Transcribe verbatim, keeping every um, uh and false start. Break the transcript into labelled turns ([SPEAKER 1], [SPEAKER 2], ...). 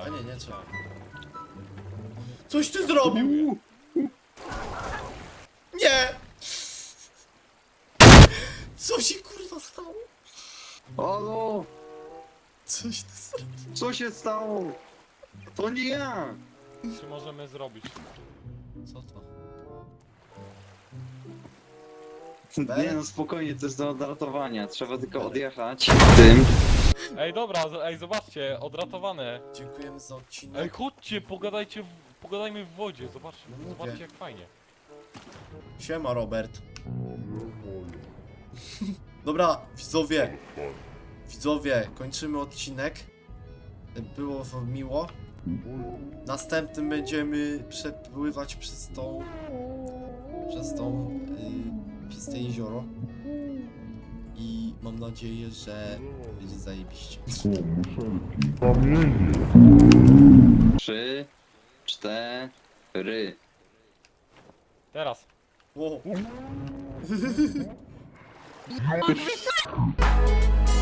[SPEAKER 1] A nie, nie trzeba. Coś ty zrobił! Nie! Co się kurwa stało?
[SPEAKER 2] Halo!
[SPEAKER 1] Coś ty zrobił?
[SPEAKER 2] Co się stało? To nie ja!
[SPEAKER 3] Co możemy zrobić?
[SPEAKER 1] Co to?
[SPEAKER 2] Nie no, spokojnie, to jest do odratowania. Trzeba tylko odjechać tym.
[SPEAKER 3] Ej, dobra, z- ej, zobaczcie, odratowane.
[SPEAKER 1] Dziękujemy za odcinek.
[SPEAKER 3] Ej, chodźcie, pogadajcie, w, pogadajmy w wodzie, zobaczcie,
[SPEAKER 1] No mówię.
[SPEAKER 3] zobaczcie jak fajnie.
[SPEAKER 1] Siema, Robert. Dobra, widzowie. Widzowie, kończymy odcinek. Było wam miło. Następnym będziemy przepływać przez tą... Przez tą... Yy, przez te jezioro. I mam nadzieję, że będzie zajebiście.
[SPEAKER 2] Trzy, cztery.
[SPEAKER 3] Teraz.
[SPEAKER 1] Wow.